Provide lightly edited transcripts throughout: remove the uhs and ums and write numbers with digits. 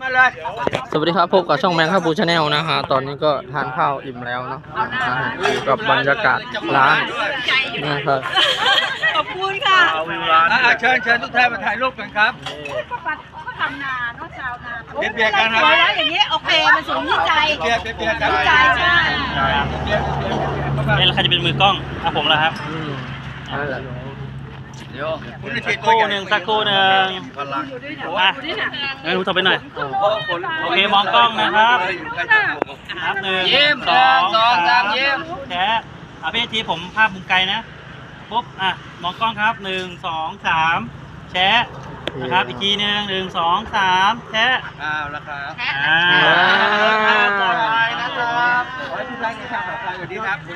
มาเลยสวัสดีครับพบกับช่องแมงครับบูชาแนลนะฮะตอนนี้ก็ทานข้าวอิ่มแล้วเนาะอยู่กับบรรยากาศร้านนะครับขอบคุณค่ะเชิญทุกท่านมาถ่ายรูปกันครับก็ทำนาเนาะชาวนาเบียร์กันครับแล้วอย่างนี้โอเคมันสูงที่ใจกันใจใช่แล้วใครจะเป็นมือกล้องผมแล้วครับนั่นแหละเดี๋ยวสักครู่หนึ่งงั้นรู้ต่อไปหน่อยโอเคมองกล้องนะครับนับ1 2 3ยิ้มแชะพี่ทีผมภาพมุมไกลนะปุ๊บมองกล้องครับ1 2 3แชะนะครับอีกทีนึง1 2 3แชะแล้วครับปลอดภัยนะครับขอให้ทุกท่านมีความปลอดภัยสวัสดีครับ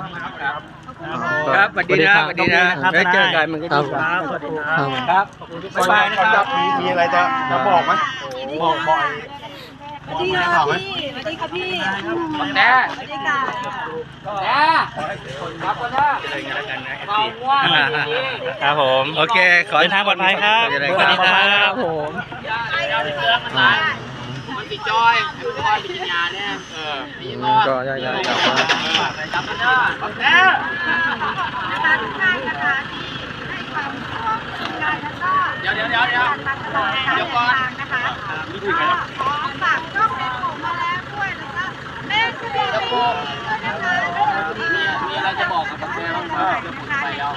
ครับสวัสดีนะได้เจอกันมันก็ดีครับสวัสดีครับขอบคุณทุกคนนะครับมีอะไรจะบอกไหมบอกบ่อยสวัสดีค่ะพี่แน่สวัสดีค่ะแน่ครับคนละครับผมโอเคขอเดินทางปลอดภัยครับสวัสดีครับผมมันติดจอยปิญญาเนี่ยก็ย้ายๆกลับมาจับกันเด้อนะคะทุกท่านนะคะที่ให้ความร่วมมือกันแล้วก็เดี๋ยวมาตลอดการเดินทางนะคะก็ขอฝากช่องแม่ผมมาแล้วด้วยแล้วก็แม่คุณแม่ด้วยนะคะมีอะไรจะบอกกับแม่บ้างครับเดี๋ยวผมไปแล้ว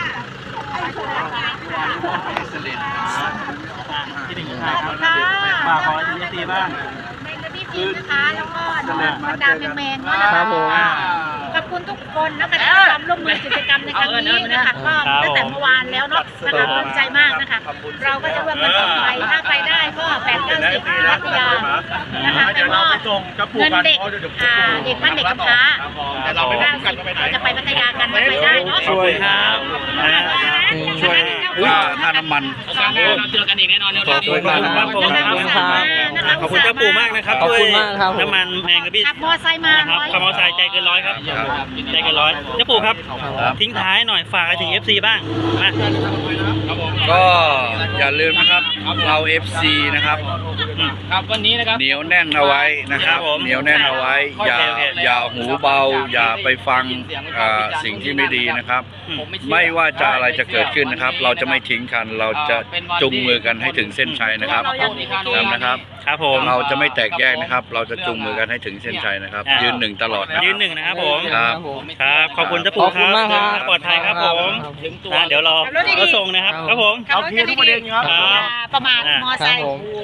ที่1ครับฝากขอทีซีบ้างแมงกะพี่พีนะคะแล้วก็บรรดาแมงๆนะคะขอบคุณทุกคนนะคะที่ทำร่วมมือกิจกรรมในครั้งนี้นะคะก็ตั้งแต่เมื่อวานแล้วเนาะนะคะภูมิใจมากนะคะเราก็จะร่วมกันต่อไปถ้าไปได้ก็8-90พัทยานะคะแต่ว่าเงินเด็กเด็กบ้านเด็กกำพร้าเราจะไปพัทยากันไปได้เนาะช่วยครับช่วยค่าน้ำมันเราเจอกันอีกแน่นอนขอบคุณครับขอบคุณเจ้าปู่มากนะครับขอบคุณมากครับน้ำมันแมงกะบี้ขับมอไซค์มาครับขับมอไซค์ใจเกินร้อยครับใจเกินร้อยเจ้าปู่ครับทิ้งท้ายหน่อยฝากอะไรถึง FC บ้างมาก็อย่าลืมนะครับเรา FC นะครับวันนี้นะครับเหนียวแน่นเอาไว้นะครับเหนียวแน่นเอาไว้อย่าหูเบาอย่าไปฟังสิ่งที่ไม่ดีนะครับไม่ว่าจะอะไรจะเกิดขึ้นนะครับเราจะไม่ทิ้งกันเราจะจุงมือกันให้ถึงเส้นชัยนะครับนะครับครับผมเราจะไม่แตกแยกนะครับเราจะจุงมือกันให้ถึงเส้นชัยนะครับยืน1ตลอดนะยืน1นะครับผมครับขอบคุณเจ้าปู่ครับปลอดภัยครับผมเดี๋ยวรอรถส่งนะครับครับผมเอาเคลียร์ทุกประเด็นครับประมาณมอไซค์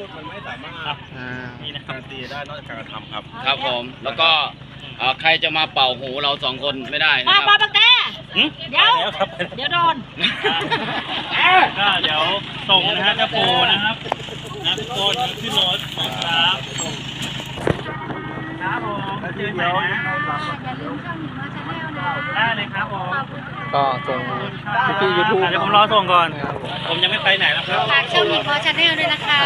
นี่นะครับตีได้นอกจากการกระทำครับผมแล้วก็ใครจะมาเป่าหูเรา2คนไม่ได้มาบังแต่เดี๋ยวโดนก็เดี๋ยวส่งนะฮะเจ้าปู่นะครับทุกคนขึ้นรถครับครับผมเดี๋ยวได้เลยครับผมก็ส่งพี่ยูทูบเดี๋ยวผมรอส่งก่อนผมยังไม่ไปไหนแล้วครับฝากช่องหญิงพอชาแนลด้วยนะคะ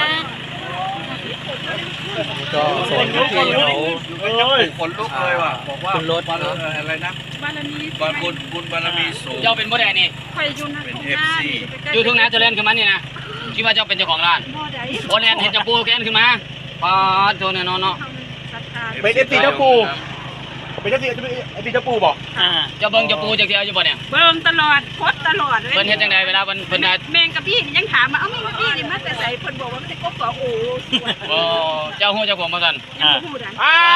ก็ส่งพี่เขาขนลุกเลยว่ะบอกว่าขึ้นรถอะไรนะบารมีบุญบารมีสูงเจ้าเป็นโมเดลนี่เป็น FC ยูทูบนะจะเล่นขึ้นมานี่นะคิดว่าเจ้าเป็นเจ้าของร้านโมเดลเห็นเจ้าปูแกนขึ้นมาปาโจเนี่ยเนาะเป็น FC เจ้าปูเป็นเจ้าเจ้าปูบอกเจ้าเบิ้งเจ้าปูเจ้าเทียวอยู่บ่เนี่ยเบิ้งตลอดโคตรตลอดเลยเพิ่นเฮ็ดจังไดเวลาเพิ่นแมงกับพี่ยังถามมาแมงกับพี่นี่มาแต่ใส่เพิ่นบอกว่ามันจะกบโอ้เจ้าฮู้เจ้าของมากันพูดอ่ะ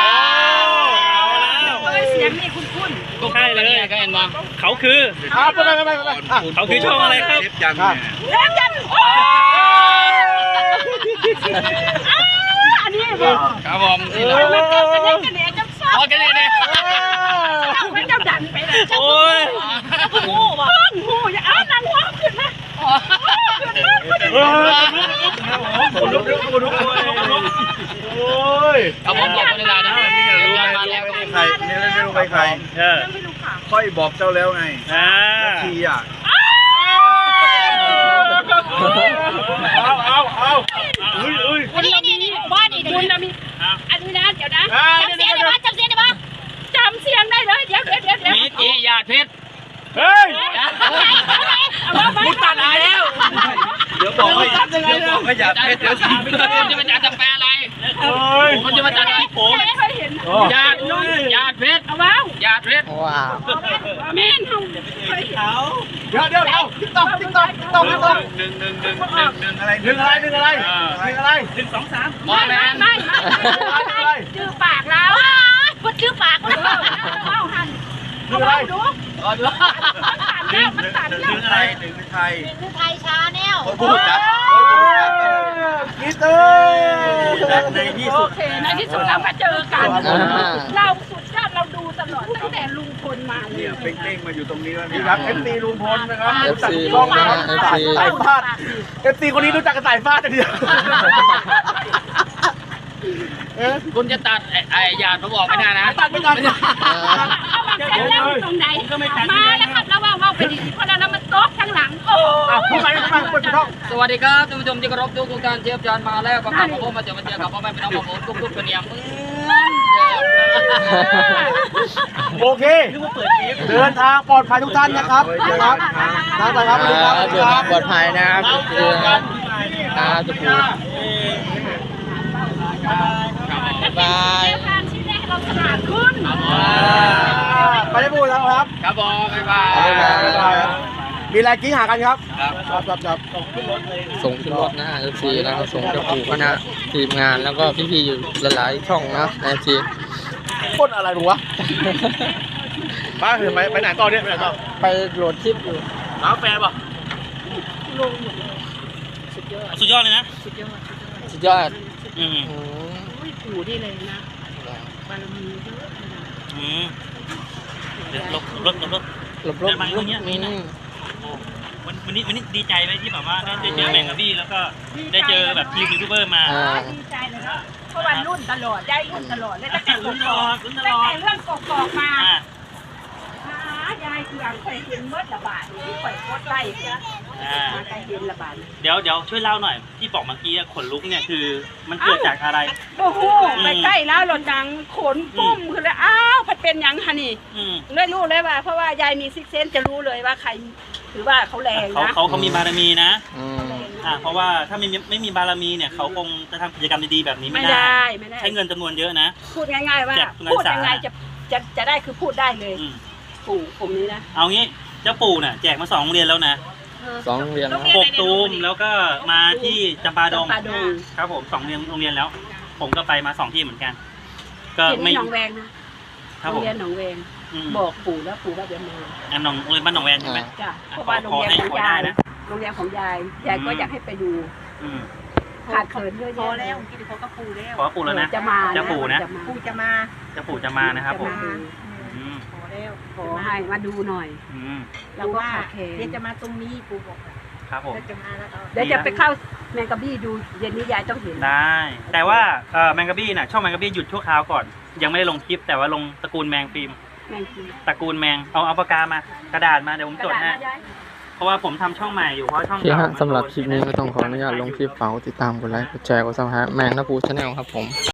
แล้วเสียงนี่คุ้นๆใช่เลยก็เห็นบ่เขาคือเขาคือช่องอะไรครับยันอันนี้ครับผมกันเนี่ยไม่เจ้าดันไปเลยโอ้ยหูว่ะหูอย่าเอานางหัวขึ้นนะโอ้ยเอาผมบอกเวลานะนี่รู้ไหมใครนี่ไม่รู้ใครค่อยบอกเจ้าแล้วไงทีอ่ะเอานี่ว่านี่คุณนะมีอันนี้นะเดี๋ยวนะจำเสียงได้ปะจำเสียงได้เลยเดี๋ยวมีตียาเพชรเฮ้ยมุดตัดหายแล้วเดี๋ยวบอกให้อย่าเพชรเดี๋ยวจะเป็นอาจารย์แปลอะไรญาติเพชรเอาว้าวญาติเพชรว้าวแม่นเฮาเขาเดี๋ยวติ๊กต๊อกหนึ่งอะไรไม่ชื่อปากแล้วพูดชื่อปากแล้วเอาหันเอาว้าวดูมันสั่นแล้วอะไรหนึ่งไทยคือไทยชาแนลพูดจัดกีเตอร์ในที่สุดในที่สุดเรามาเจอกัน เราสุดยอดเราดูตลอดตั้งแต่ลุงพลมาเลยเนี่ยเป้งๆมาอยู่ตรงนี้แล้วนี่นี่ครับ FC ลุงพลนะครับ FC ลุงนะฮะ FC สายฟาด FC คนนี้รู้จักกับสายฟาดอย่างเดียวคุณจะตัดไอ้ญาติผมออกไม่ได้นะตัดไม่ตัดแต่เล่าตรงไหนมาแล้วครับแล้วว่าไปดีเพราะนั้นมันตกข้างหลังโอ้พูดไปเปิดช่องสวัสดีครับท่านผู้ชมที่เคารพทุกท่านเชฟจานมาแล้วกับผมมาเจอกับพ่อแม่พี่น้องของผมทุกๆเป็นอย่างเหมือนเดิมโอเค เดินทางปลอดภัยทุกท่านนะครับครับทางไปครับเดินทางปลอดภัยนะครับคือทุกคนบายทางที่แรกเราฉลาดขึ้นไปได้พูดแล้วครับครับผมบ๊ายบายครับมีอะไรกิ้งหากันครับครับส่งขึ้นรถนะฮะ FC แล้วก็ส่งเจ้าปู่คณะทีมงานแล้วก็พี่ๆอยู่หลายๆช่องนะ FC พ่นอะไรหนูวะป้าคือไปไหนต่อเนี่ยไปไหนต่อไปโหลดคลิปอยู่น้ำแฟนป่ะสุดยอดเลยนะสุดยอดอืมอืมปู่นี่เลยนะบารมีเยอะเดี๋ยวลบหลบวันนี้ดีใจไหมที่แบบว่าได้เจอแมงกะบี้แล้วก็ได้เจอแบบทีมยูทูบเบอร์มาดีใจเลยเนาะเพราะวันรุ่นตลอดได้รุ่นตลอดเลยตั้งแต่ลุ้นตลอดตั้งแต่เรื่องกอกมายายคือเคยเห็นเมื่อระบาดที่ปล่อยโคตรไล่เนี่ยมาใครเห็นระบาดเดี๋ยวช่วยเล่าหน่อยที่บอกเมื่อกี้ขนลุกเนี่ยคือมันเกิดจากอะไรโอ้โหไปใกล้แล้วหลดดังขนปุ้มคือแล้วอ้าวพัดเป็นหยังฮะนี่อืมเลยรู้เลยว่าเพราะว่ายายมีซิกเซนจะรู้เลยว่าใครถือว่าเขาแรงนะเขามีบารมีนะอืมเพราะว่าถ้าไม่มีบารมีเนี่ยเขาคงจะทำกิจกรรมดีๆแบบนี้ไม่ไม่ได้ได้ไม่ได้ใช้เงินจำนวนเยอะนะพูดง่ายๆว่าแจกทุนการศึพูดกษายังไงจะได้คือพูดได้เลยอืมปู่ผมนี้นะเอางี้เจ้าปู่น่ะแจกมา2 โรงเรียนแล้วนะ 2 โรงเรียนนะปกตูมแล้วก็มาที่จำปาดงจำปาดงครับผม2 โรงเรียนแล้ว ผมก็ไปมา2 ที่เหมือนกัน ก็เห็นไม่ที่หนองแวงนะครับโรผงมเรียนหนองแวงอืมบอกปู่แล้วปู่ว่าเดี๋ยวมาอันโรงเรียนบ้านหนองแวนใช่ไหมจ้ะเพราะว่าโรงเรียนของขอได้ยายนะโรงเรียนของยายก็อยากให้ไปดูอืมขาดเขินเยอะพอแยะแล้วกินเขาก็ปูแล้วขอปู่แล้วนะจะมาเจ้าปู่นะปูจะมาเจ้าปู่จะมานะครับผม อืมพอแล้วขอให้มาดูหน่อยอืมแล้วก็ขาดแคลเดี๋ยวน จะมาตรงนี้ปูบอกครับผมจะมาแล้วก็เดี๋ยวจะไปเข้าแมงกะบี้ดูเย็นนี้ยายต้องเห็นได้ แต่ว่าแมงกะบี้น่ะช่องแมงกะบี้หยุดชั่วคราวก่อน ยังไม่ได้ลงคลิปแต่ว่าลงตระกูลแมงฟิล์มแมงกีตระกูลแมงเอาปากกามากระดาษมาเดี๋ยวผมกจระดดาษให้นะยายเพราะว่าผมทำช่องใหม่อยู่เพราะช่องโอเคเก่าฮะสำหรับคลิปนี้ก็ต้องขออนุญาตลงคลิปฝากกดติดตามกดไลค์กดแชร์กดซับสไครต์แมงนะปูชาแนลครับผม